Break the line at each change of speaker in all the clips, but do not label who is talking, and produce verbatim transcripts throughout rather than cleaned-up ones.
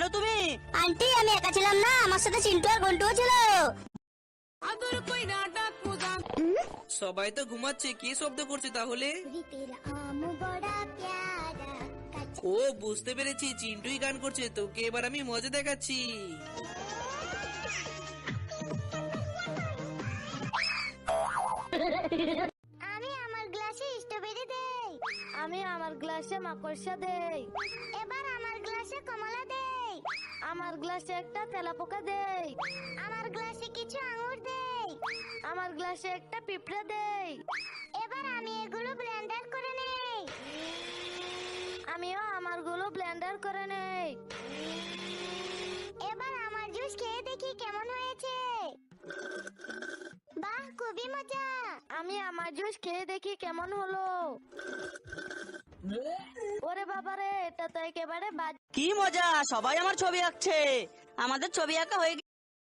কোথায় তুমি?
আন্টি আমি একা ছিলাম না, আমার সাথে চিন্টু আর ঘন্টুও ছিল।
সবাই তো ঘুমাচ্ছে, কে শব্দ করছে তাহলে? ও বুঝতে পেরেছি, চিন্টুই গান করছে। তোকে এবার আমি মজা দেখাচ্ছি।
আমি আমার গ্লাসে স্ট্রবেরি দেই।
আমি আমার গ্লাসে মাকড়সা দেই।
এবার আমার গ্লাসে কমলা দেই।
আমার গ্লাসে একটা তেলাপোকা দেই।
আমার গ্লাসে কিছু আঙ্গুর দেই।
আমার গ্লাসে একটা পিঁপড়া দেই।
এবার আমি এগুলো ব্লেন্ডার করে নেই।
আমিও আমারগুলো ব্লেন্ডার করে নেই।
এবার আমার জুস খেয়ে দেখি কেমন হয়েছে। বাহ, খুবই মজা।
আমি আমার জুস খেয়ে দেখি কেমন হলো। ওরে বাবারে, এটা তো একেবারে বাজ।
কি মজা, সবাই আমার ছবি আঁকছে। আমাদের ছবি আঁকা হয়ে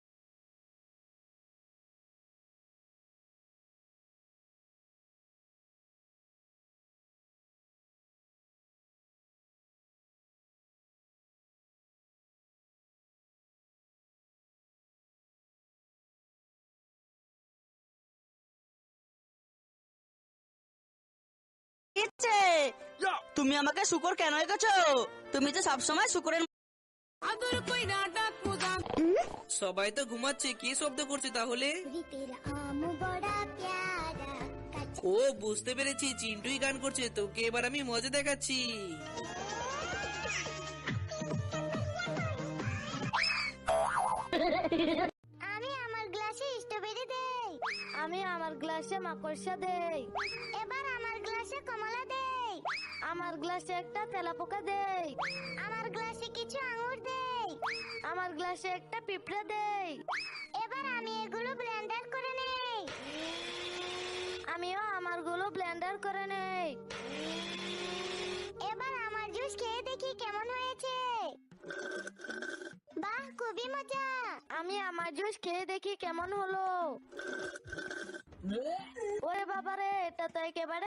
গেছে। তুমি আমাকে শুকর কেন এঁকেছো? তুমি তো সবসময় শুকরের।
সবাই তো ঘুমাচ্ছে, কে শব্দ করছে তাহলে? ও বুঝতে পেরেছি, চিন্টুই গান করছে। তোকে এবার আমি মজা দেখাচ্ছি।
আমি আমার গ্লাসে স্ট্রবেরি দেই।
আমি আমার গ্লাসে মাকড়সা দেই।
এবার আমার গ্লাসে কমলা দেই।
আমার গ্লাসে একটা তেলাপোকা দেই।
আমার গ্লাসে কিছু আঙ্গুর দেই।
আমার গ্লাসে একটা পিঁপড়া দেই।
এবার আমি এগুলো ব্লেন্ডার করে নেই।
আমিও আমারগুলো ব্লেন্ডার করে নেই।
এবার আমার জুস খেয়ে দেখি কেমন হয়েছে। বাহ, খুবই মজা।
আমি আমার জুস খেয়ে দেখি কেমন হলো। ওরে বাবারে, এটা তো একেবারে